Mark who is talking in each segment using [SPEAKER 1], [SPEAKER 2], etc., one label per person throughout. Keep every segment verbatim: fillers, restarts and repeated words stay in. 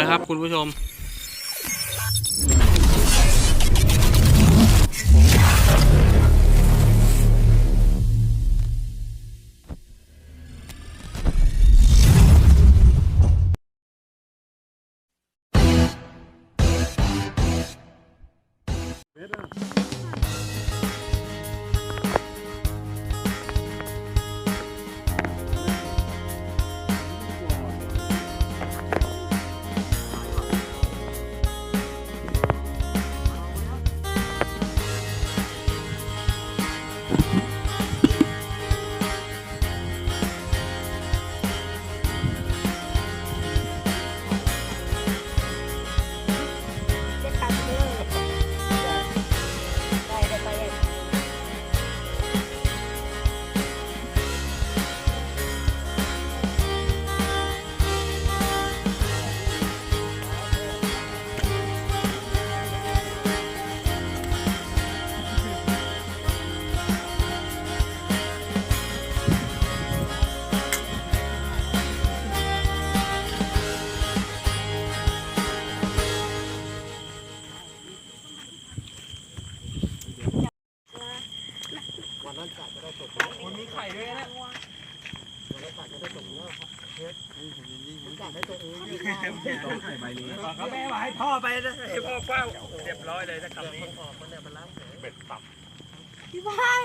[SPEAKER 1] นะครับคุณผู้ชม
[SPEAKER 2] มันมีไข่ด้วยนะต้องไข่ใบนี้เขาแม่มาให้พ่อไปนะให้พ่อเฝ้าเรียบร้อยเลยนะคำนี้เบ็ดตับ
[SPEAKER 3] พี่พาย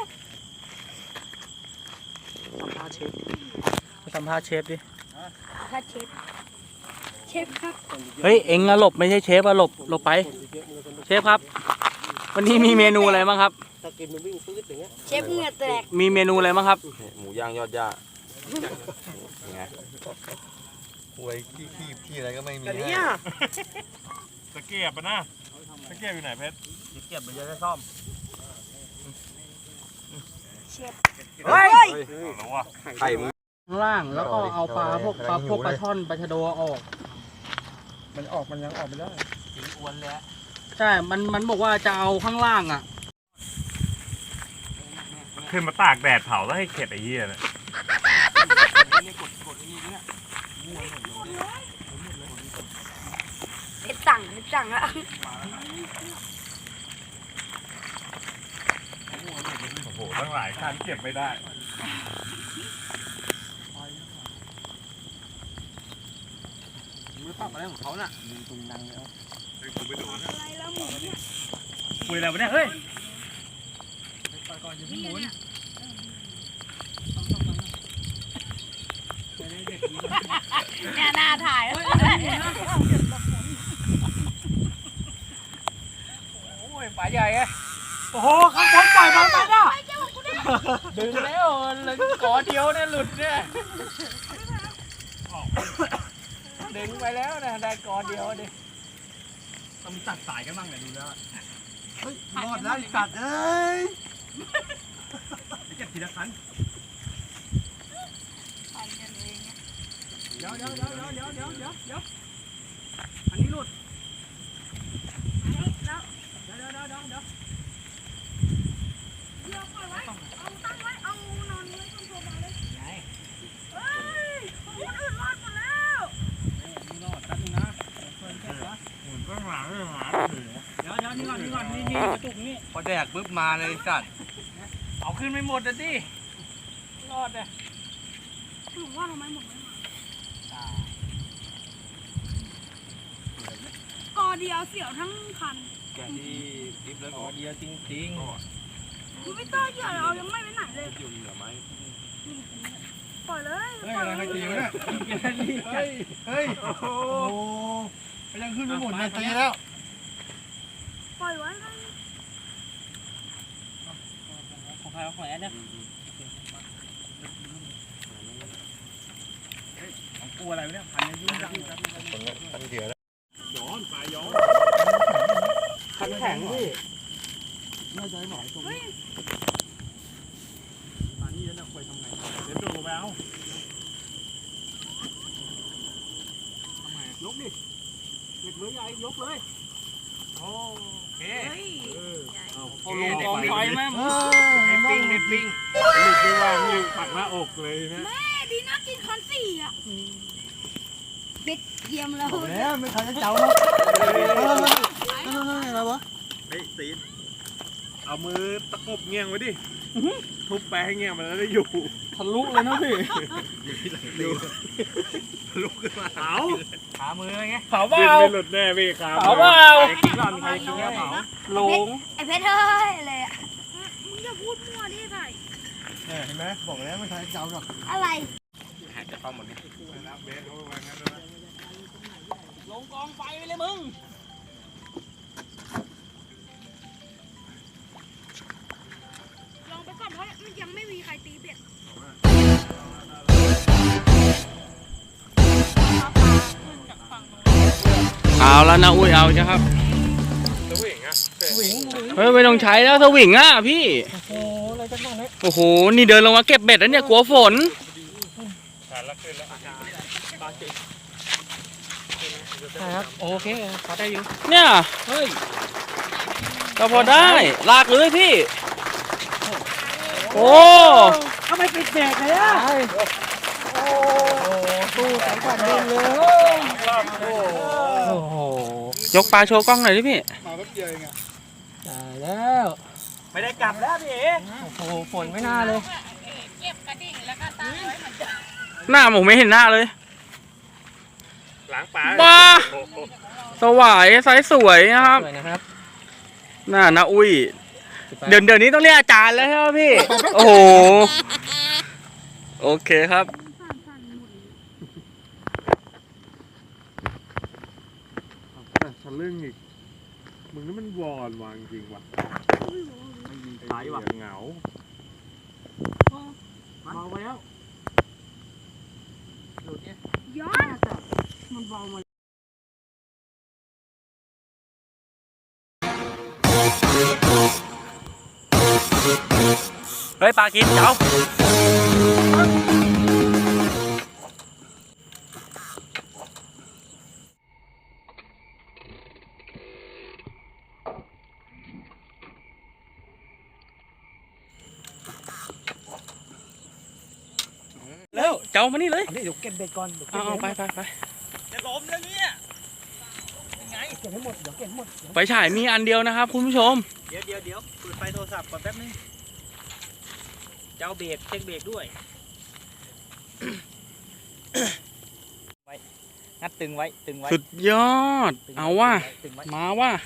[SPEAKER 1] สัมภาษณ์เชฟสัมภาษณ์เชฟดิ
[SPEAKER 3] ถ้าเชฟเชฟครับ
[SPEAKER 1] เฮ้ยเอ็งอะหลบไม่ใช่เชฟอะหลบหลบไปเชฟครับวันนี้มีเมนูอะไรบ้างครับ
[SPEAKER 3] เชฟเหงื่อแตก
[SPEAKER 1] มีเมนูอะไรบ้างครับ
[SPEAKER 2] หมูย่างยอดย่าไงหวยขี้ขี้ขี้อะไรก็ไม่มีเนี่ยตะเกียบปะนะตะเกียบอยู่ไหนเพชรตะเกียบมันจะได้ซ่อม
[SPEAKER 3] เชฟ
[SPEAKER 2] เฮ้ยไข่มึง
[SPEAKER 1] ข้างล่างแล้วก็เอาปลาพวกปลาพวกปลาช่อนปลาชะโดออก
[SPEAKER 2] มันออกมันยังออกไม่ได้
[SPEAKER 1] อ้วนแล้วใช่มันมันบอกว่าจะเอาข้างล่างอ่ะ
[SPEAKER 4] ขึ้นมาตากแดดเผาแล้วให้เข็ดไอ้เหี้ยเนี่ย
[SPEAKER 3] เด็ดสั่งเด็ดสั่งแล้ว
[SPEAKER 4] โอ้โหตั้งหลายคันเก็บไม่ได้
[SPEAKER 2] มือปักอะไรของเขาน่ะดึงตุงนังแล้ว
[SPEAKER 4] กูไปดูนะ
[SPEAKER 3] อะไรแล้วหมูเนี่ย
[SPEAKER 4] คุยอะไรวะเนี่ยเฮ้ย
[SPEAKER 3] ก่อนอย่าเพิ่งหมุนเนี่ยหน้าถ่ายโ
[SPEAKER 1] อ้ยปลาใหญ่ไงโอ้โหข้างบนปล่อยมันไปนะดึงแล้วเลยกอเดียวเนี่ยหลุดเนี่ยดึงไปแล้วนะได้กอเดียวดิ
[SPEAKER 2] ต้องจัดสายกันบ้างเลยดูแล้วเฮ้ยรอดแล้วจัดเอ้ยเก็บทีละคันเดี๋ยวเดี๋ยวเดี๋ยวเดี๋ยวเดี๋ยวเดี๋ยวเดี๋ยวอันนี้หลุด
[SPEAKER 3] แล้ว
[SPEAKER 2] เดี๋ยวเดี๋ยวเดี๋ยวเดี๋ยวเดี๋ยว
[SPEAKER 3] เดี๋ยวปล่อยไว้เอาตั้งไว้เอานอนไว้ตรงโซฟาเลยไงเฮ้ยคนอื่นรอดหมดแล้ว
[SPEAKER 2] นี่รอดตั้งนะเพิ่นแค่ละ
[SPEAKER 4] หมุนก็หมาเลยหมา
[SPEAKER 2] เดี๋ยวเดี๋ยวนี่ก่อนนี่ก่อนนี่นี่กระตุกนี่พอแดกปุ๊บมาเลยสัตว์
[SPEAKER 1] เอาขึ้นไม่หมดนะดิรอดเลย
[SPEAKER 3] หนูว่าทำไมหมดไม่มากอเดียวเสียวทั้งคัน
[SPEAKER 2] แกที่ดิฟแล้วกอเดียวจริงๆ
[SPEAKER 3] คุณไม่ต้องเหยื่อเรายังไม่ไปไหนเลย
[SPEAKER 2] อยู่เหนือไหม
[SPEAKER 3] ปล่อยเลย
[SPEAKER 2] เฮ้ยอะไรกันตีวะเนี่ยเฮ้ยเฮ้ยโอ้โหยังขึ้นไม่หมดเลยตีแล้ว
[SPEAKER 3] ปล่อยไว้เลย
[SPEAKER 1] ของใครของแอนเนี่ย
[SPEAKER 2] ของกูอะไรเนี่ยพันยุ่งจังพันเถื่อนย้อนปลายย้อน
[SPEAKER 1] คันแข็งพี่
[SPEAKER 2] น่าจะหน่อยตรงนี้ปลานี่แล้วคอยทำไง
[SPEAKER 4] เดี๋ยวดูไปเอา
[SPEAKER 2] ทำไงยกดิเด็กเลยใหญ่ยกเลย
[SPEAKER 4] โอเค
[SPEAKER 1] โอ้โหกองไฟแม่
[SPEAKER 4] ในปิ้งในปิ้งหลุดไปว่ามีปักหน้าอกเลยนะ
[SPEAKER 3] แม่ดีนะกินคันสี่อ่ะเบ็ดเยี่ยมแล้ว
[SPEAKER 1] แล้วไม่ทันจะเจ้าแล้วอะไรวะ
[SPEAKER 2] เฮ้ยตีน
[SPEAKER 4] เอามือตะกบเงี้ยงไว้ดิทุบแปะให้เงี้ยงมันแล้วได้อยู่
[SPEAKER 1] ทะลุเลยนะพี่
[SPEAKER 2] ลุกขึ้นมา
[SPEAKER 4] เผา
[SPEAKER 1] ขามือไง
[SPEAKER 4] เผาเปล่าไม่หลุดแน่พี่ครับ
[SPEAKER 1] เผาเปล่า
[SPEAKER 4] มีใครกินแค่เผา
[SPEAKER 1] หลง
[SPEAKER 3] ไอ้เพชรเฮ้ยอะไรอะมึงอย่าพูดมั่วดิไผ่
[SPEAKER 1] เห็นไหมบอกแล้วไม่ทันจะเจ้าหรอก
[SPEAKER 3] อะไร
[SPEAKER 2] จะเข้าหมดนี่
[SPEAKER 1] ลงกองไฟไปเลยมึง
[SPEAKER 3] ลองไปก่อนเพราะมันยังไม่มีใครตีเบ็ด
[SPEAKER 5] เอาแล้วนะอุ้ยเอาจ้ะครับ
[SPEAKER 4] สวิงอ่ะ
[SPEAKER 1] วิ่ง
[SPEAKER 5] เฮ้ยไม่ต้องใช้แล้วสวิงอ่ะพี่
[SPEAKER 1] โอ้โหอะไรกันบ้างเนี่ย
[SPEAKER 5] โอ้โหนี่เดินลงมาเก็บเบ็ดแล้วเนี่ยกลัวฝน
[SPEAKER 4] ขาดละขึ้นแล้ว
[SPEAKER 1] ใช่ครับโอเคพอได้อยู่
[SPEAKER 5] เนี่ย
[SPEAKER 1] เฮ้ย
[SPEAKER 5] ก็พอได้ลากเลยพี่โอ้
[SPEAKER 1] ทำไมปิดแบกเลยอ่ะโอ้ตู้แข็งกว่าเดิมเลยโอ้โห
[SPEAKER 5] ยกปลาโชว์กล้องหน่อยดิพี่
[SPEAKER 1] มาแป๊บเดียวเองอ่ะได้แล้วไม่ได้กลับแล้วพี่เอ๋โอ้โหฝนไม่น่าเลย
[SPEAKER 3] เก็บกระดิ่งแล้วก็ตั้งไว้เหมือนเดิม
[SPEAKER 5] หน้าผมไม่เห็นหน้าเลย
[SPEAKER 4] ล้างปลา
[SPEAKER 5] บ้า สวายไซส์สวยนะครับ
[SPEAKER 1] สวยนะครับ
[SPEAKER 5] น่านะอุ้ยเดี๋ยวเดี๋ยวนี้ต้องเรียกอาจารย์แล้วใช่ไหมพี่ โอ้โหโอเคครับ
[SPEAKER 4] ทะลึ่งอีกมึงนี่มันวอนวางจริงว่ะ
[SPEAKER 1] สายว่ะ
[SPEAKER 4] เหงา
[SPEAKER 1] เมาไปแล้ว
[SPEAKER 3] ย้อน
[SPEAKER 1] มันเบามา
[SPEAKER 5] เฮ้ยปลากินเจ้าแล้วเจ้ามานี่เลย
[SPEAKER 1] เดี๋ยวเก็บเบ็ดก่อนเดี๋ยวเก็
[SPEAKER 5] เอา
[SPEAKER 1] บ
[SPEAKER 5] เอา
[SPEAKER 1] เบ็ด
[SPEAKER 5] ไปไปไป
[SPEAKER 1] จะล้มแล้วเนี่ยยังไงเก็บให้หมดเดี๋ยวเก็บให้หมด
[SPEAKER 5] ไฟฉายมีอันเดียวนะครับคุณผู้ชม
[SPEAKER 1] เดี๋ยวเดี๋ยวเดี๋ยวเปิดไฟโทรศัพท์ก่อนแป๊บนึงเจ้าเบรกเช็คเบรกด้วยไว้งัดตึงไว้ตึงไว้
[SPEAKER 5] สุดยอด เอาว่ะ
[SPEAKER 1] ตึงไว้
[SPEAKER 5] มาว่ะ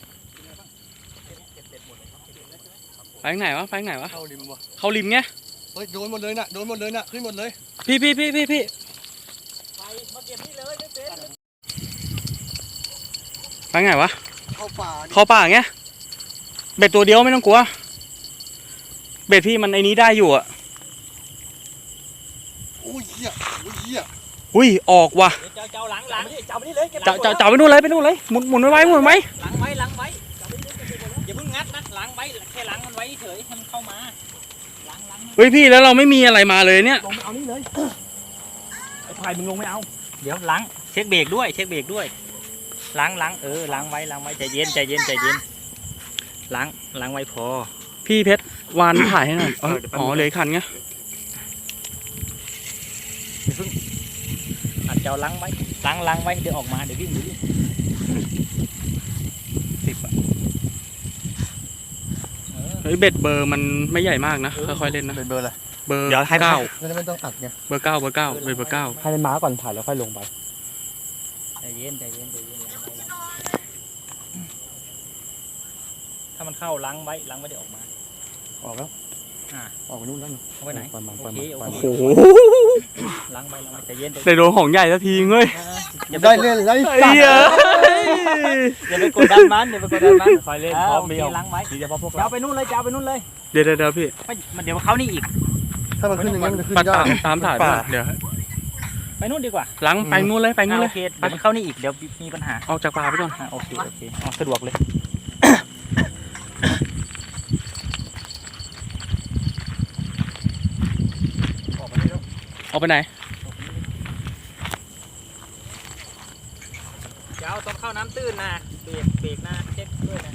[SPEAKER 5] ไปทางไหนวะไปทางไหนวะ
[SPEAKER 1] เข้าริมวะ
[SPEAKER 5] เข้าริมไง
[SPEAKER 1] เฮ้ยโดนหมดเลยน่ะโดนหมดเลยน่ะขึ้นหมดเลย
[SPEAKER 5] พี่พี่พี่พี่พี่
[SPEAKER 1] ไปมาเก็บนี่เลยไม่เป็น
[SPEAKER 5] ไปไงวะ
[SPEAKER 1] เข้าป่า
[SPEAKER 5] เข้าป่าไงเบ็ดตัวเดียวไม่ต้องกลัว เบ็ดพี่มันไอ้นี้ได้อยู่อ่ะ
[SPEAKER 1] อุ้ยเหี้ยอุ้ยเหี้ย
[SPEAKER 5] อุ้ยออกว่ะ
[SPEAKER 1] เจ้าเจ้าหลังหลังเจ้าไปนี่เลย
[SPEAKER 5] จะจะจะไปนู่นเลยไปนู่นเลยหมุนหมุนไว้ไว้หมุนไว้
[SPEAKER 1] หลังไว้หลังไว้อย่าเพิ่งงัดนะหลังไว้แค่หลังมันไว้เฉยให้มันเข้ามาหลังหลัง
[SPEAKER 5] เฮ้ยพี่แล้วเราไม่มีอะไรมาเลยเนี่ย
[SPEAKER 1] ลงไปเอานี่เลยไอ้พายมึงลงไม่เอาเดี๋ยวหลังเช็คเบรกด้วยเช็คเบรกด้วยล้างล้างเออล้างไว้ล้างไว้ใจเย็นใจเย็นใจเย็นล้างล้างไว้พอ
[SPEAKER 5] พี่เพชรวานถ่ายให้หน่อยอ๋ออ๋อเหลยขันไง
[SPEAKER 1] อัดเจ้าล้างไว้ล้างล้างไว้เดี๋ยวออกมาเดี๋ยววิ่งเดี๋ยววิ่งสิบอ่ะ
[SPEAKER 5] เฮ้ยเบ็ดเบอร์มันไม่ใหญ่มากนะค่อยๆเล่นนะ
[SPEAKER 1] เป็นเบอร์อะไร
[SPEAKER 5] เบอร์เก้า
[SPEAKER 1] จะไม่ต้องอัดไง
[SPEAKER 5] เบอร์เก้าเบอร์เก้าเป็นเบอร์เก้า
[SPEAKER 1] ให้มันมาก่อนถ่ายแล้วค่อยลงไปใจเย็นใจเย็นใจเย็นล้างไว้ถ้ามันเข้าล้างไว้ล้างไว้เดี๋ยวออกมา
[SPEAKER 6] ออกแล้ว
[SPEAKER 1] อ่า
[SPEAKER 6] ออกไปนู่นแล้ว
[SPEAKER 1] เอาไว้ไหน
[SPEAKER 6] ปล่อยมัน
[SPEAKER 1] โอ
[SPEAKER 6] ปล่อย
[SPEAKER 1] เค
[SPEAKER 6] มัน
[SPEAKER 1] โอ
[SPEAKER 6] ปล่อย
[SPEAKER 1] เค
[SPEAKER 6] มัน
[SPEAKER 5] โอ้โห
[SPEAKER 1] ล้างไว้ล้างไว้ใจเย็นใจ
[SPEAKER 5] ได้โดนของใหญ่สักทีเว้ย
[SPEAKER 1] อย่าไป
[SPEAKER 6] ได้
[SPEAKER 1] กด
[SPEAKER 6] เล่นได้
[SPEAKER 5] ไอ้เหี้ย
[SPEAKER 1] อย่าไปกดดันมันอย่าไปกดดันมัน
[SPEAKER 6] คอยเล่น
[SPEAKER 1] อ่า
[SPEAKER 6] พร้อม
[SPEAKER 1] โอเค
[SPEAKER 6] มีเอา
[SPEAKER 1] ล้างไว้
[SPEAKER 6] ทีเฉพาะพวก
[SPEAKER 1] จะ
[SPEAKER 6] เรา
[SPEAKER 1] เอาไปนู่นเลยจะเอาไปนู่นเลย
[SPEAKER 5] เดี๋ยวเดี๋ยวเดี๋ยวพี่
[SPEAKER 1] ไม่มันเดี๋ยวเขานี่อีก
[SPEAKER 6] ถ้ามันขึ้นอย่างนั้นมันจะขึ้น
[SPEAKER 5] ปัด
[SPEAKER 6] ยา
[SPEAKER 5] ตาก มตามถ่ายไปก่อนเดี๋ยว
[SPEAKER 1] ไปนู่นดีกว่า
[SPEAKER 5] หลังไปนู่นเลยไปนู่น
[SPEAKER 1] อ่า
[SPEAKER 5] เล
[SPEAKER 1] โอย เคเดี๋ยวมันเข้านี่อีกเดี๋ยวมีปัญหา
[SPEAKER 5] ออกจากป่าไปก่อน
[SPEAKER 1] อ่าโอเคโอเคเอาสะดวกเลย
[SPEAKER 5] ออกไปไหน
[SPEAKER 1] เดี๋ยวต้องเข้าน้ำตื้นนะเบรกเบรกนะเช็คด้วยนะ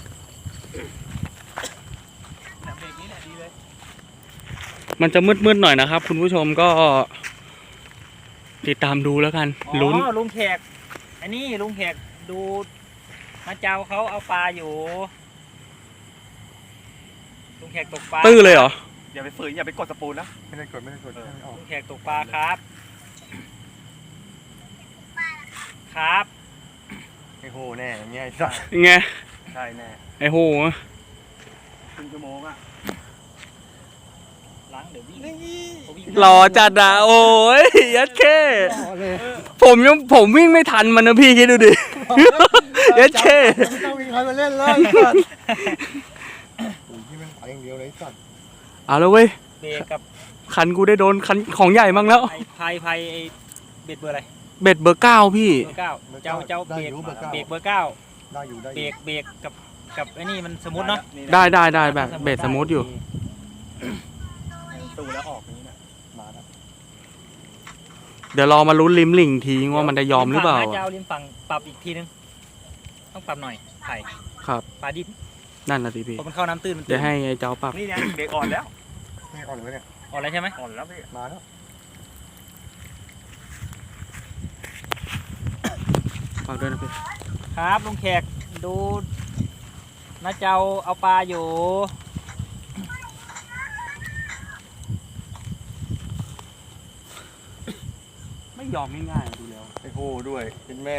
[SPEAKER 1] เบรกนี้แหละดีเลย
[SPEAKER 5] มันจะมืดๆหน่อยนะครับ คุณผู้ชมก็ติดตามดูแล้วกัน
[SPEAKER 1] อ๋
[SPEAKER 5] ลุ้น
[SPEAKER 1] อลุงแขกอันนี้ลุงแขกดูมาเจ้าเขาเอาปลาอยู่ลุงแขกตกปลา
[SPEAKER 5] ตื้อเลยเหรอ
[SPEAKER 2] อย่าไปฝืนอย่าไปกดสปูนนะ
[SPEAKER 4] ไม่ได้กดไม่ได้กดไม่ออก
[SPEAKER 1] ลุงแขกตกปลาครับ ครับ
[SPEAKER 2] ไอ้โหแน่อย่างเงี้ยไอ้สัส
[SPEAKER 5] ไง
[SPEAKER 2] ใช่แน่
[SPEAKER 5] ไอ้โห
[SPEAKER 2] ครึ่งชั่วโมงอะ
[SPEAKER 1] ล้างเดี๋ยววิ่งเขาวิ่ง
[SPEAKER 5] รอจัดอะโอ้ยยัดแค่
[SPEAKER 6] ต่อเลย
[SPEAKER 5] ผมยังผมวิ่งไม่ทันมันนะพี่คิดดูดิ ยัดแค่
[SPEAKER 6] ไม่ต้องมีใครมาเล่นเลยไอ้สัตว์โอ้ยที่มันไปอย่างเดียวเลยไอ้สัตว์
[SPEAKER 5] เอาแล้วเว้ย
[SPEAKER 1] เบรกกับ
[SPEAKER 5] คันกูได้โดนคันของใหญ่มั่งแล้ว
[SPEAKER 1] ไอ้พายพายไอ้เบ็ดเบอร์อะไร
[SPEAKER 5] เบ็ดเบอร์เก้าพี่
[SPEAKER 1] เบอร์เก้าเจ้าเจ้า
[SPEAKER 6] ได้
[SPEAKER 1] เบร
[SPEAKER 6] อก ยู่เบอร์เก้า
[SPEAKER 1] เบรกเบอร์เก้า
[SPEAKER 6] ได้อยู่ได้อ
[SPEAKER 1] เบร
[SPEAKER 6] ยู่
[SPEAKER 1] กเบรกกับกับไอ้นี่มันสมูทเนาะ
[SPEAKER 5] ได้ได้ได้แบบเบ็ดสมูทอยู่
[SPEAKER 2] ตูแล้วออกอย่างนี้นะมาแล้ว
[SPEAKER 5] เดี๋ยวรอมาลุ้นริมหลิ่งทีว่ามันจะยอมหรือเปล่า
[SPEAKER 1] ฝั่งนะ
[SPEAKER 5] อะ
[SPEAKER 1] เจ้าริมฝั่งปรับอีกทีนึงต้องปรับหน่อยไผ่
[SPEAKER 5] ครับ
[SPEAKER 1] ปลาดิบ
[SPEAKER 5] นั่นนะสิพี่
[SPEAKER 1] เพราะมันเข้าน้ำตื้นมันตื้
[SPEAKER 5] เดี๋ยวน ให้ไอ้เจ้าปรับ
[SPEAKER 2] นี่ไงเบรกอ่อนแล้ว
[SPEAKER 6] ไม่ออกเลยเนี่ย
[SPEAKER 1] ออกแล้วใช่ไหม
[SPEAKER 2] อ่อนแล้วพี่
[SPEAKER 6] มาแล้ว
[SPEAKER 5] ฝากด้วยนะพี่
[SPEAKER 1] ครับลุงแขกดูน้าเจ้าเอาปลาอยู่
[SPEAKER 5] ไม่ยอมง่ายๆดูแล้ว
[SPEAKER 2] ไอ้โหด้วยเป็นแม่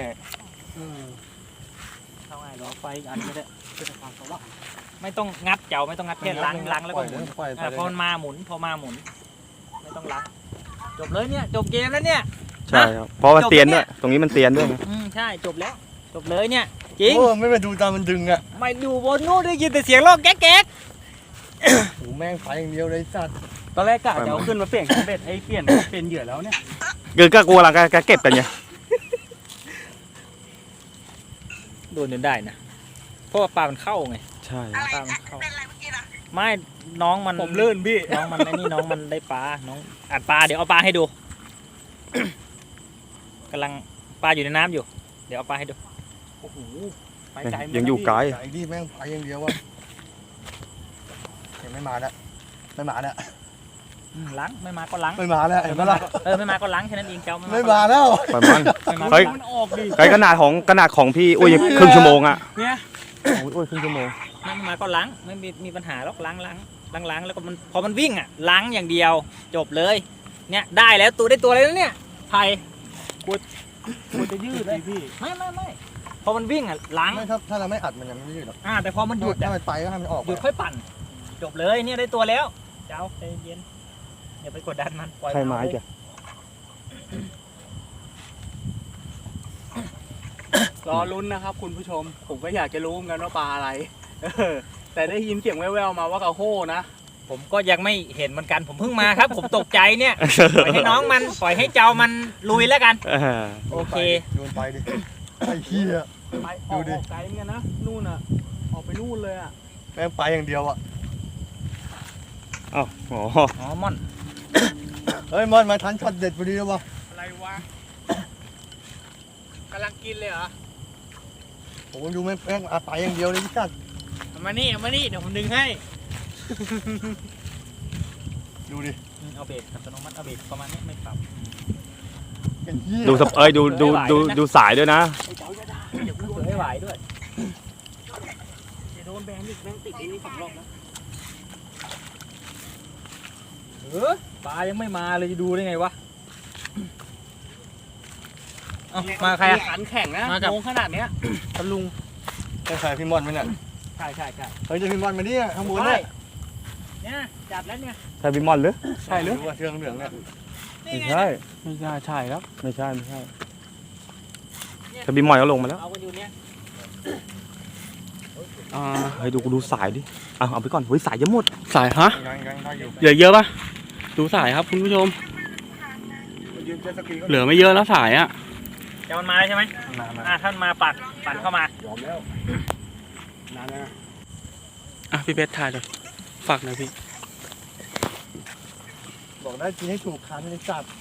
[SPEAKER 1] เข้าง่ายเหรอไฟอีกอันก็ได้ไม่ต้องงัดเจ้าไม่ต้องงัดแค่ล้างล้างแล้ว
[SPEAKER 6] ป
[SPEAKER 1] ก็
[SPEAKER 6] ล่อย
[SPEAKER 1] ห
[SPEAKER 6] เล
[SPEAKER 1] มุ
[SPEAKER 6] ย
[SPEAKER 1] น
[SPEAKER 6] ปล่อยไป
[SPEAKER 1] อ่ะ
[SPEAKER 6] เลย
[SPEAKER 1] พอมันมาหมุนพอมาหมุน ไม่ต้องล้างจบเลยเนี่ยจบเกมแล้วเนี่ย
[SPEAKER 7] ใช่ครับ เพราะมัน
[SPEAKER 1] จบ
[SPEAKER 7] เตียน
[SPEAKER 1] แล้ว
[SPEAKER 7] ด้วย ตรงนี้มันเตียนด้วยไง
[SPEAKER 1] อืมใช่จบแล้ว จบเลยเนี่ยจริง
[SPEAKER 6] โอ้ไม่มาดูตามมันดึงอ่ะ
[SPEAKER 1] ไม่ดูบนนู้นได้ยินแต่เสียงร้องแก๊กแก๊ก
[SPEAKER 6] โอ้แม่งไปอย่างเดียวเลยไอ้สัตว์
[SPEAKER 5] ตอนแรกกะจะเอาขึ้นมาเปลี่ยนเบ็ดไอ้เปลี่ยนเปลี่ยนเหยื่อแล้วเนี่ย
[SPEAKER 7] เกิดก็กลัวหลังก็เก็บกันไง
[SPEAKER 1] โดนจนได้นะเพราะว่าปลามันเข้าไง
[SPEAKER 7] ใช่
[SPEAKER 3] อะไร
[SPEAKER 1] ปลามัน
[SPEAKER 3] นะ
[SPEAKER 1] เข้า
[SPEAKER 3] เป็นอะไรเมื่อกี้ล่ะ
[SPEAKER 1] ไม่น้องมัน
[SPEAKER 5] ผมลื่นพี่
[SPEAKER 1] น้องมันไอ้นี่น้องมันได้ปลาน้องอัดปลาเดี๋ยวเอาปลาให้ดู กำลังปลาอยู่ในน้ำอยู่ เดี๋ยวเอาปลาให้ดู
[SPEAKER 5] โอ้โหไปไกลเหมืน
[SPEAKER 7] ยังอยู่ไกล
[SPEAKER 6] ไอ้นี่แม่งไปอย่างเดียวอ่ะยังไม่มาแล้วไม่มาแล้ว
[SPEAKER 1] อืมล้างไม่มาก็ล้าง
[SPEAKER 6] ไม่มาแล้วเห็นไหมล่ะ
[SPEAKER 1] เออไม่มาก็ล้างแค่นั้นเองเจ้า
[SPEAKER 6] ไม่มาแล้ว
[SPEAKER 7] ปล่อยมัน
[SPEAKER 1] ไม่มา
[SPEAKER 7] เฮ้ย
[SPEAKER 5] มันออกดิ
[SPEAKER 7] ไกลขนาดของขนาดของพี่อุ้ยยังครึ่งชั่วโมงอ่ะ
[SPEAKER 5] เนี่ย
[SPEAKER 7] ของพี่อุ้ยครึ่งชั่วโมง
[SPEAKER 1] ไม่มาก็ล้างไม่มีมีปัญหาหรอกล้างล้างล้างล้างแล้วก็มันพอมันวิ่งอ่ะล้างอย่างเดียว จบเลย เนี่ยได้แล้วตัวได้ตัวเลยแล้วเนี่ยไผ่
[SPEAKER 5] มันจะยืดเลยพี่
[SPEAKER 1] ไม่ไม่ไม่พอมันวิ่งอ่ะล้าง
[SPEAKER 6] ไม่ถ้าถ้าเราไม่อัดมันยังไม่ยืดหรอก
[SPEAKER 1] อ่าแต่พอมันหยุด
[SPEAKER 6] ถ้า
[SPEAKER 1] อ่ะ
[SPEAKER 6] มันไปก็ให้มันออก
[SPEAKER 1] หยุดค่อยปั่น จบเลยเนี่ยได้ตัวแล้ว เจ้าใจเย็นอย่าไปกดดันมันปล่อย
[SPEAKER 7] ใช่ไม้
[SPEAKER 1] นเอาเลย
[SPEAKER 7] จ้ะ
[SPEAKER 5] รอลุ้นนะครับคุณผู้ชม ผมก็อยากจะรู้เหมือนกันว่าปลาอะไร เออแต่ได้ยินเสียงแว่วๆมาว่ากระโห้นะ
[SPEAKER 1] ผมก็ยังไม่เห็นเหมือนกันผมเพิ่งมาครับ ผมตกใจเนี่ยปล่อยให้น้องมันปล่อยให้เจ้ามันลุยแล้วกัน
[SPEAKER 7] เออ
[SPEAKER 1] โอเค
[SPEAKER 6] โยนไปดิไอ้เหี้ย
[SPEAKER 5] ไปอ
[SPEAKER 6] ดู
[SPEAKER 5] อก
[SPEAKER 6] ดิ
[SPEAKER 5] ออกไกลเหมือนกันนะนู่นอ่ะออกไปนู่นเลยอ่ะ
[SPEAKER 6] แม่งไปอย่างเดียวอ่ะ
[SPEAKER 7] อ้าวอ๋อ
[SPEAKER 1] อ๋อม่อน
[SPEAKER 6] เฮ้ยมอนมาทันช็อตเด็ดพอดีแล้ววะ
[SPEAKER 5] อะไรวะกำลังกินเลยเหรอ
[SPEAKER 6] ผมดูแม่งแม่งอ่ะไปอย่างเดียวเลยพี่กัด
[SPEAKER 1] เอามานี่เอามานี่เดี๋ยวผมดึงให้
[SPEAKER 6] ดูดิ
[SPEAKER 1] อืมเอาเบรกอัตโนมัติเอาเบรกประมาณนี้ไม่ปรับ
[SPEAKER 6] เป็นเหี้ย
[SPEAKER 7] ดูสเอ้ยดูดูดูดูสายด้วยนะ
[SPEAKER 5] ไอ้เจ้าจะได้
[SPEAKER 1] เดี๋ยวกูไม่ไหวด้วย
[SPEAKER 5] จะโดนแบนอีกแม่งติดไอ้นี่สองรอบนะ
[SPEAKER 1] เออปลายังไม่มาเลยจะดูได้ไงวะเอามาใครอะ
[SPEAKER 5] ขันแข่งนะ
[SPEAKER 1] มากับ
[SPEAKER 5] โงขนาดเนี้ยตะลุง
[SPEAKER 6] ใช่ใครพี่มอนไหมเนี่ย
[SPEAKER 1] ใช่ใช่ใช่
[SPEAKER 6] เฮ้ยจะพี่มอนมาเนี่ยข้างบนเนี่ย
[SPEAKER 1] เนี่ยจัดแล้วเนี่ย
[SPEAKER 7] ใช่บิมอนหรือ
[SPEAKER 5] ใช่หรือ
[SPEAKER 6] ดูว่าเชือกเหลืองเนี่ย
[SPEAKER 1] นี่
[SPEAKER 7] ไม่
[SPEAKER 1] ไง
[SPEAKER 7] ใช่
[SPEAKER 5] ไม่ใช่ใช่ครับ
[SPEAKER 7] ไม่ใช่ไม่ใช่ถ้าบิมอนก็ลงมาแล้ว
[SPEAKER 1] เอากันอยู่เนี่ย
[SPEAKER 5] อ่า
[SPEAKER 7] เฮ้ยดูกูดูสายดิเอาเอาไปก่อนเฮ้ยสายจะหมด
[SPEAKER 5] สายฮะ
[SPEAKER 6] ยังยังได้อยู่
[SPEAKER 5] เหลือเยอะปะดูสายครับคุณผู้ชม
[SPEAKER 6] ยืนเจ็ตสกีก็
[SPEAKER 5] เหลือไม่เยอะแล้วสายอ่ะ
[SPEAKER 1] จะมันมาใช่ไหม
[SPEAKER 6] มามา
[SPEAKER 1] อ่ะท่านมาปัดปั่นเข้ามาย
[SPEAKER 6] อมแล้วนานแล้วนะ
[SPEAKER 5] อ่ะพี่เบสถ่ายเลยฝากหน่อยพี่
[SPEAKER 6] บอกได้กินให้ถูกคันในสัตว์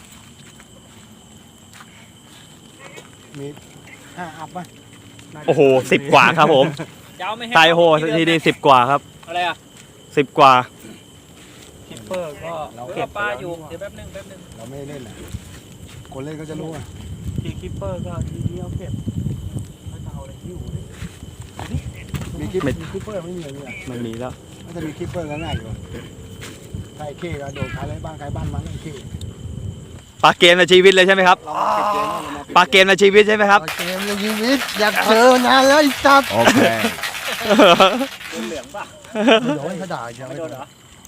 [SPEAKER 6] มีห้าอัพป่ะ
[SPEAKER 7] โอ้โหสิบกว่าครับผม
[SPEAKER 1] เจ้าไม่ให้
[SPEAKER 7] ไตโหทีนี้สิบกว่าครับ
[SPEAKER 1] อะไรอ่ะ
[SPEAKER 7] สิบกว่า
[SPEAKER 1] คิปเปอร์ก็เก็บปลาอยู่เดี๋ยวแป๊บนึงแป๊บนึง
[SPEAKER 6] เราไม่ได้เล่นแหละคนเล่นก็จะรู้อ่ะ
[SPEAKER 5] ทีคิปเปอร์ก็ทีเดียวเก็บเขาจะเอาอะไรที่อยู่ดิ
[SPEAKER 6] มีคลิปมีคลิปเปอร์ไม่มีอะไรเลย
[SPEAKER 7] ไม่มีแล้ว
[SPEAKER 6] มันจะมีคลิปเปอร์ก็ง่ายอยู่ใครเข้ก็โดดใครไรบ้านใครบ้านมันไอ้เข้
[SPEAKER 7] ปลาเกมในชีวิตเลยใช่ไหมครับ
[SPEAKER 6] เราเก็บเกมเรามา
[SPEAKER 7] ปลาเกมในชีวิตใช่ไหมครับ
[SPEAKER 6] เกมในชีวิตอยากเจอนานแล้วไอ้จับโอเค
[SPEAKER 5] เหลืองป่ะ
[SPEAKER 6] โดนเขาด่ายัง
[SPEAKER 5] ไม่
[SPEAKER 6] ไม่
[SPEAKER 5] โด
[SPEAKER 6] โด
[SPEAKER 5] น
[SPEAKER 6] น
[SPEAKER 5] เหรอ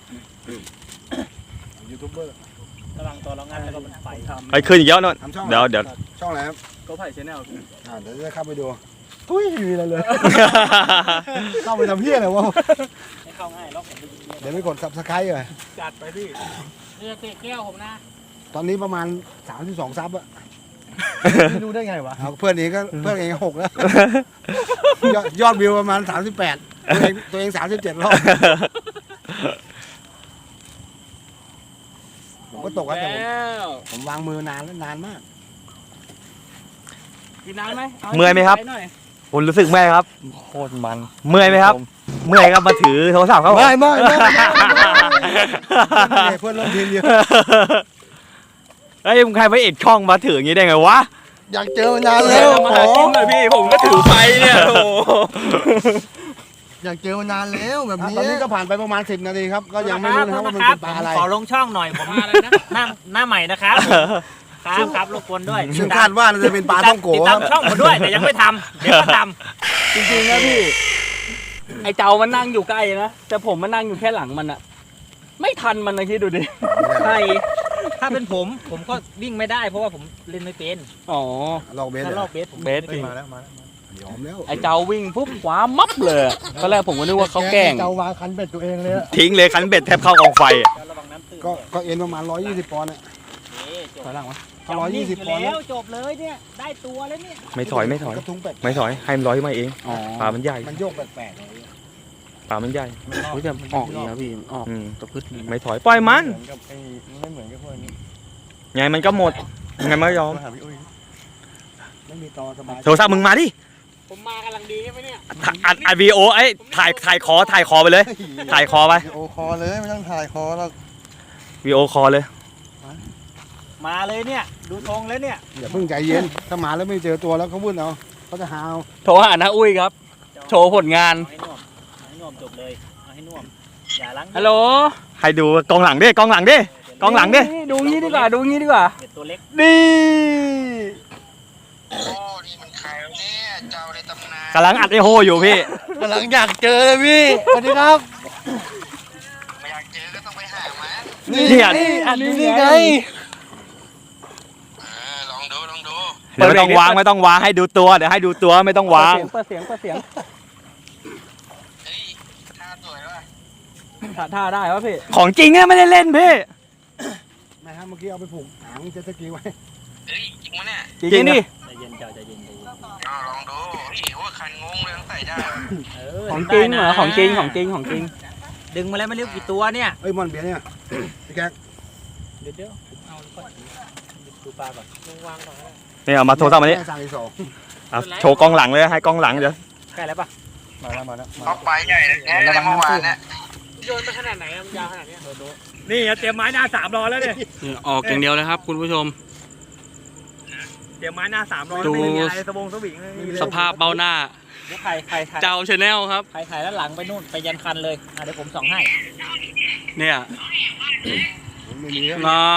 [SPEAKER 6] ยูทูบเบอร์
[SPEAKER 5] กำลังตัวเรางั้นแล้วก็มันไฟทำ
[SPEAKER 7] ไปขึ้นอีกแล้วนน
[SPEAKER 6] ทำช่อง
[SPEAKER 7] เดี๋ยวเดี๋ยว
[SPEAKER 6] ช่องอะไรครับ
[SPEAKER 5] ก็ไผ่ชแนล
[SPEAKER 6] อ่าเดี๋ยวจะเข้าไปดูตุ้ยมีอะไรเลย เข้าไปทำเพี้ยอะไรวะ
[SPEAKER 5] ไม่เข้าง่ายล็อกผมไปยิง
[SPEAKER 6] เดี๋ยวไม่กดซับสไครต์เลย
[SPEAKER 5] จัดไปพี่เรียกแก้วผมนะ
[SPEAKER 6] ตอนนี้ประมาณสามสิบสองซับอะ
[SPEAKER 5] ไม่รู้ได้ไงวะ
[SPEAKER 6] เอาเพื่อนเองก็เพื่อนเองก็หกแล้วยอดยอดวิวประมาณสามสิบแปดตัวเองตัวเองสามสิบเจ็ดรอบผมก็ตกแล้วแต่ผม
[SPEAKER 5] แล้ว
[SPEAKER 6] ผมวางมือนานแล้วนานมาก
[SPEAKER 5] กินน้ำไหมา
[SPEAKER 7] เมื่อยไหมครับ
[SPEAKER 5] ปน่อย
[SPEAKER 7] คุณรู้สึกเมื่อยครับ
[SPEAKER 2] โคตรมัน
[SPEAKER 7] เมื่อยไหมครับ เมื่อยครับมาถือโทรศัพท์เขา
[SPEAKER 6] ไม่ไม่ไม่เพื่อนร่วมทีมเยอะ
[SPEAKER 7] เฮ้ยมึงใครไปเอกช่องมาถืออย่างนี้ได้ไงวะ
[SPEAKER 6] อยากเจอมานานแล้ว
[SPEAKER 5] มาหากินหน่อยพี่ผมก็ถือไฟเนี่ยโอ้โห
[SPEAKER 6] อยากเจอมานานแล้วแบบนี้ตอนนี้ก็ผ่านไปประมาณสิบนาทีครับก็ยังไม่รู้นะครับว่ามันเป็นปลาอะไร
[SPEAKER 1] ขอลงช่องหน่อยผมอะไรนะหน้าหน้าใหม่นะครับครับครับรบกวนด้วย
[SPEAKER 6] ซึ่งคาดว่าน่าจะเป็นปลาท่องโก
[SPEAKER 1] ติด
[SPEAKER 6] ค
[SPEAKER 1] ตา
[SPEAKER 6] รั
[SPEAKER 1] ม
[SPEAKER 6] บ
[SPEAKER 1] ช่องผมด้วยแต่ยังไม่ทำเดี๋ยวก็ท
[SPEAKER 5] จริงๆนะพี่ ไอเจ้ามันนั่งอยู่ใกล้นะแต่ผมมันนั่งอยู่แค่หลังมันอะไม่ทันมันนะคิดดูดิ
[SPEAKER 1] ำใช่ถ้าเป็นผมผมก็วิ่งไม่ได้เพราะว่าผมเล่นไม่เป็น
[SPEAKER 5] อ๋อ
[SPEAKER 6] ลอกเบส
[SPEAKER 1] ถ้า
[SPEAKER 6] เลย
[SPEAKER 1] ลอกเบสผม
[SPEAKER 5] เบสจริง
[SPEAKER 6] มาแล้วมาแล้วยอมแล้ว
[SPEAKER 5] ไอเจ้าวิ่งปุ๊บขวามับเลยตอนแรกผมก็นึกว่าเขาแกล้ง
[SPEAKER 6] เจ้าวางคันเบ็ดตัวเองเลยอะ
[SPEAKER 7] ทิ้งเลยคันเบ็ดแทบเข้ากองไฟอะ
[SPEAKER 1] ระวังน้ำตื้น
[SPEAKER 6] ก็ก็เอ็นประมาณร้อยยี่สิบปอนด์อะ
[SPEAKER 1] นี่จบ
[SPEAKER 5] ถอยหลังวะ
[SPEAKER 6] ถ้าร้อยยี่สิบปอนด์
[SPEAKER 1] แล้วจบเลยเนี่ยได้ตัวแล้วเนี่ย
[SPEAKER 7] ไม่ถอยไม่ถอย
[SPEAKER 6] กระทุ้งแปลก
[SPEAKER 7] ไม่ถอยให้มันลอยขึ้นมาเอง
[SPEAKER 5] อ๋อ
[SPEAKER 7] ปลามันใหญ่
[SPEAKER 6] มันโยกแปลกๆเลย
[SPEAKER 7] ปลามันใหญ่
[SPEAKER 5] เฮ้ยแต่ออกอีกแล้วพี่ออก
[SPEAKER 7] อืม
[SPEAKER 5] ตะพึดนี่
[SPEAKER 7] ไม่ถอยปล่อยมัน
[SPEAKER 2] เหมือนกับไอ้ไม่เหมือนกับพวกนี้
[SPEAKER 7] ไงมันก็หมดไงมันก็ยอม
[SPEAKER 2] มาหาพี่อุ้ย
[SPEAKER 6] ไม่มีตอสบาย
[SPEAKER 7] โทรศัพท์มึงมาดิ
[SPEAKER 5] ผมมากำลังดีใช่ไหมเนี่ย
[SPEAKER 7] ถ่ายอัดอัดวีโอไอ้ยถ่ายถ่ายคอถ่ายคอไปเลย ถ่ายคอไป
[SPEAKER 2] โอคอเลยไม่ต้องถ่ายคอหรอก
[SPEAKER 7] วีโอคอเลย
[SPEAKER 1] มาเลยเนี่ยดูธงแล้วเนี่ย
[SPEAKER 6] อย่าเพิ่งใจเย็นถ้ามาแล้วไม่เจอตัวแล้วเขาวุ่นเอาเขาจะหาเอา
[SPEAKER 5] โทรหาน้าอุ้ยครับ โชว์ผลงาน
[SPEAKER 1] เอาให้น่วมเอาให้น่วมจบเลยเอาให้น่วมอย่าล้าง
[SPEAKER 5] ฮัลโหล
[SPEAKER 7] ให้ดูกองหลังดิกองหลังดิกองหลังดิ
[SPEAKER 5] นี่ดูงี้ดีกว่าดูงี้ดีกว่า
[SPEAKER 1] เด็ดตัวเล็ก
[SPEAKER 5] นี่
[SPEAKER 7] กำลังอัดไอโฮอยู่พี่
[SPEAKER 6] กำลังอยากเจอเลยพี่สวัสดีครับไม่อยากเจอก็ต้องไปหามา
[SPEAKER 7] นี่อัด
[SPEAKER 5] อันนี้
[SPEAKER 6] นี่
[SPEAKER 5] ไง
[SPEAKER 6] ไง
[SPEAKER 7] เดี๋ยวไม่ต้องวางไม่ต้องวางให้ดูตัวเดี๋ยวให้ดูตัวไม่ต้องวาง
[SPEAKER 5] เปิดเสียงเปิดเสียงเปิดเสียงท่าท่าได้ปะพี่
[SPEAKER 7] ของจริงอะไม่ได้เล่นพี่
[SPEAKER 6] ไม่ฮะเมื่อกี้เอาไปผูกหางเจ็ตสกีไว้
[SPEAKER 5] จริงๆดิ
[SPEAKER 1] ใจเย็นเจ้าใจเย็นใจเย็น เออ
[SPEAKER 5] ของจริงเหรอ
[SPEAKER 1] ได้นะ
[SPEAKER 5] ของจริงของจริงของจริง
[SPEAKER 1] ดึงมาแล้วไม่เรียกกี่ตัวเนี่ย
[SPEAKER 6] เอ้ยมอนเบียร์เนี่ยพี่แก๊ก
[SPEAKER 1] เดี๋ยวเดี๋ยวผมเอาก่อนดูปลาก่อนลงวางก่อน
[SPEAKER 7] นี่เอามาโทรศัพท์มานี่
[SPEAKER 6] แสั่งอีกสอง
[SPEAKER 7] เอาโชว์กองหลังเลยให้กองหลังเดี๋ยว
[SPEAKER 1] ใกล้แล้วปะ
[SPEAKER 2] มาแล้วมาแล้วมา
[SPEAKER 6] เอาไปใหญ่เลยระวังน้ำตื้นนะ
[SPEAKER 5] โยนไปขนาดไหนมันยาวขนาดนี้
[SPEAKER 7] นี่เตรียมไม้หน้าสามรอแล้วเนี่ย
[SPEAKER 5] ออกอย่างเดียวเลยครับ คุณผู้ชม
[SPEAKER 7] เตรียมไม้หน้าสามรอ
[SPEAKER 5] ดู
[SPEAKER 7] ไม่มีอะไรสบงสวิงไม่มี
[SPEAKER 5] สภาพเบ้าหน้า
[SPEAKER 1] เดี๋ยวใครใครถ่าย
[SPEAKER 5] เจ้าชาแนลครับ
[SPEAKER 1] ใครถ่ายแล้วหลังไปนู่นไปยันคันเลยอ่ะเดี๋ยวผมส่องให้
[SPEAKER 5] เนี่ย
[SPEAKER 6] ไม่มีแล้ว
[SPEAKER 5] น่า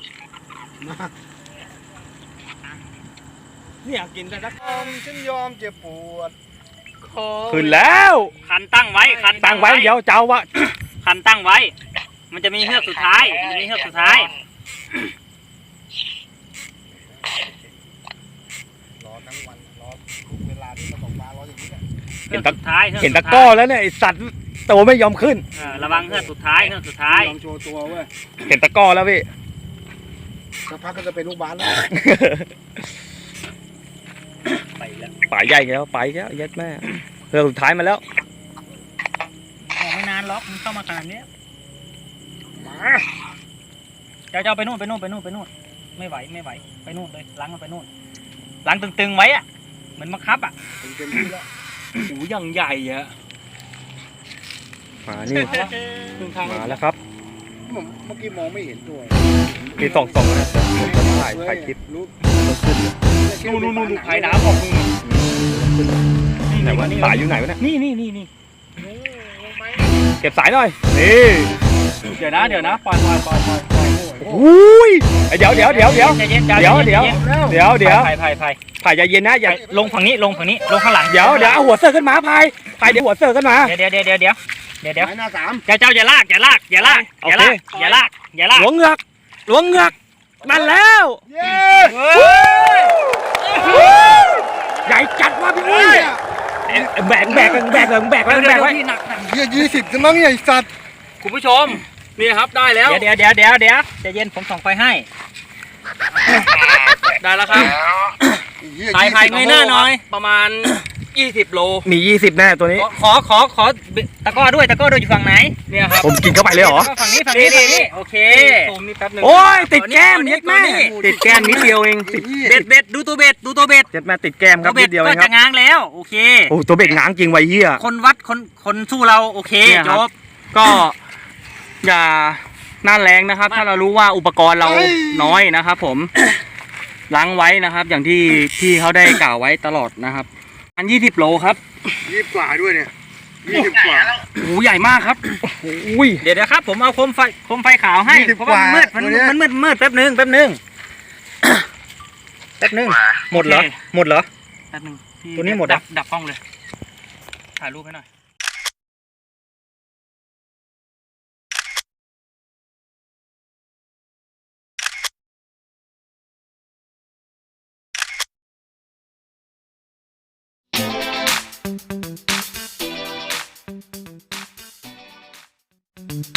[SPEAKER 7] เนี่ยกินแต่ละ
[SPEAKER 6] ฉันยอมเจ็บปวด
[SPEAKER 7] ขึ้นแล้ว
[SPEAKER 1] คันตั้งไว้คัน
[SPEAKER 7] ตั้งไว้เดี๋ยวเจ้าวะ
[SPEAKER 1] คันตั้งไว้ มันจะมีเฮือกสุดท้ายมันจะมีเฮือกสุดท้าย
[SPEAKER 6] รอทั้งวันรอทุกเวลาที่มาตกปลารออย่างนี้แหละ
[SPEAKER 1] เฮือกสุดท้าย
[SPEAKER 7] เห็นตะกร้อแล้วเนี่ยไอสัตว์ตัวไม่ยอมขึ้น
[SPEAKER 1] เออระวังเฮือกสุดท้ายเฮือกสุดท้าย
[SPEAKER 6] ยอมโชว์ตัวเว้ย
[SPEAKER 7] เห็นตะกร้อแล้วพี่
[SPEAKER 6] สักพักก็จะเป็นลูกบ้านแล้ว
[SPEAKER 1] ไปแล้ว
[SPEAKER 7] ป่าใหญ่แล้วไปแล้วยัดแม่เรือสุดท้ายมาแล้ว
[SPEAKER 1] ออกไม่นานล็อกมันเข้ามาขนาดเนี้ยเจ้าเจ้าไปนู่นไปนู่นไปนู่นไปนู่นไม่ไหวไม่ไหวไปนู่นเลยล้างมันไปนู่นล้างตึงๆไว้อะเหมือนบังคับอะ
[SPEAKER 6] เต็มที่แล้ว
[SPEAKER 5] หูอย่างใหญ่อะ
[SPEAKER 7] มานี่
[SPEAKER 5] ครึ่งข้าง
[SPEAKER 7] มาแล้วครับ
[SPEAKER 6] ผมเมื่อกี้มองไม่เห็นตัว
[SPEAKER 7] มีสองสองนะผมจะถ่ายถ่ายคลิป
[SPEAKER 6] รู้
[SPEAKER 5] นู่นนู่นนู่นพายน้ำออกนู่น
[SPEAKER 7] ไหนวะสายอยู่ไหนวะเนี่ย
[SPEAKER 5] นี่นี่นี่นี่
[SPEAKER 7] เก็บสายหน่อยนี่
[SPEAKER 5] เดี๋ยวนะเดี๋ยวนะปล่อยปล่อยปล่อยปล่อยปล่อย
[SPEAKER 7] อุ้ยเดี๋ยวเดี๋ยวเดี๋ยวเดี๋ยว
[SPEAKER 1] ใจเย็นใจ
[SPEAKER 7] เดี๋ยว
[SPEAKER 1] น
[SPEAKER 7] เดี๋ยว
[SPEAKER 1] ใจน
[SPEAKER 7] เดี๋ยวเดี๋ยว
[SPEAKER 1] พายพายพาย
[SPEAKER 7] ถ่ายใจเย็นนะอย่า
[SPEAKER 1] ลงฝั่งนี้ลงฝั่งนี้ลงข้างหลัง
[SPEAKER 7] เดี๋ยวเดี๋ยวเอาหัวเสือขึ้นมาพายพายเดี๋ยวหัวเสือขึ้นมา
[SPEAKER 1] เดี๋ยวเดี๋ยวเดี๋ยวเดี๋ยวเดี๋ยวเดี๋ยว
[SPEAKER 6] หน้าสาม
[SPEAKER 1] เจ้าเจ้าอย่าลากอย่าลากอย่าลากอย่าลากอย่าลากอย่าลาก
[SPEAKER 7] หลวงเหงือกหลวงเหงือกนั่นแล้ว
[SPEAKER 6] เย้
[SPEAKER 7] ใหญ่จัดว่ะพี่อุ้ยแบกแบกแบกแบกไว้แบกไว้
[SPEAKER 1] ที่หนักหนัก
[SPEAKER 6] เยี่ยยี่สิบจะมั้งเนี่ยไอ้สัตว์
[SPEAKER 5] คุณผู้ชมนี่ครับได้แล้ว
[SPEAKER 1] เดี๋ยวเดี๋ยวเดี๋ยวเดี๋ยวใจเย็นผมส่องไฟให้
[SPEAKER 5] ได้แล้วครับ
[SPEAKER 6] เหี้ย
[SPEAKER 1] ถ่ายถ่ายเงยหน้าหน่อย
[SPEAKER 5] ประมาณยี่สิบโล
[SPEAKER 7] มียี่สิบแน่ตัวนี้
[SPEAKER 1] ขอขอขอตะกร้อด้วยตะกร้อด้วยอยู่ฝั่งไหน
[SPEAKER 5] เนี่ยครับ
[SPEAKER 7] ผมกินเข้าไปเลยเหรอ
[SPEAKER 1] ก็ฝั่งนี้ฝั่งนี้ฝั่งนี้โอเค
[SPEAKER 5] ซูมนี่แป๊บนึง
[SPEAKER 7] โอ้ยติดแก้ม
[SPEAKER 1] ตัวนี้
[SPEAKER 7] เย็ดแม่
[SPEAKER 1] ตัวนี้
[SPEAKER 7] ติดแก้มนิดเดียวเองติด
[SPEAKER 1] เบ็ดเบ็ดดูตัวเบ็ดดูตัวเบ็ด
[SPEAKER 7] เย็ดแม่ติดแก้มครับ
[SPEAKER 1] ตัวเบ็
[SPEAKER 7] นิ
[SPEAKER 1] ด
[SPEAKER 7] ดเดียวเอ
[SPEAKER 1] ก็
[SPEAKER 7] งค
[SPEAKER 1] จะ
[SPEAKER 7] รับ
[SPEAKER 1] ง้างแล้วโอเค
[SPEAKER 7] โอ้ตัวเบ็ดง้างจริงไว้เหี้ย
[SPEAKER 1] คนวัดคนคนสู้เราโอเค
[SPEAKER 5] เนี่ย
[SPEAKER 1] จ
[SPEAKER 5] ครับ
[SPEAKER 1] บ
[SPEAKER 5] ก็อย่าหน้าแรงนะครับ ถ้าเรารู้ว่าอุปกรณ์เราน้อยนะครับผมล้างไว้นะครับ อย่างที่ที่เขาได้กล่าวไว้ตลอดนะครับอันยี่สิบโลครับ
[SPEAKER 6] ยี่สิบกว่าด้วยเนี่ยยี่สิบกว่า
[SPEAKER 5] โอ้โหใหญ่มากครับ
[SPEAKER 7] อุ้ย
[SPEAKER 1] เดี๋ยวเดี๋ยวครับผมเอาโคมไฟโคมไฟขาวให้
[SPEAKER 6] ยี่สิบ
[SPEAKER 1] เพราะว่ามันมืด
[SPEAKER 6] กว่า
[SPEAKER 1] มัน
[SPEAKER 6] ตัวเนี้ย
[SPEAKER 1] มันมืดมืดแป๊บนึงแป๊บนึงแป๊บนึงหมดเหรอ
[SPEAKER 5] โอเค
[SPEAKER 1] หมดเหรอ
[SPEAKER 5] แป๊บนึงพี่
[SPEAKER 1] ตัวนี้หมด
[SPEAKER 5] ดั
[SPEAKER 1] อ่ะ
[SPEAKER 5] บดับกล้องเลย ถ่ายรูปให้หน่อย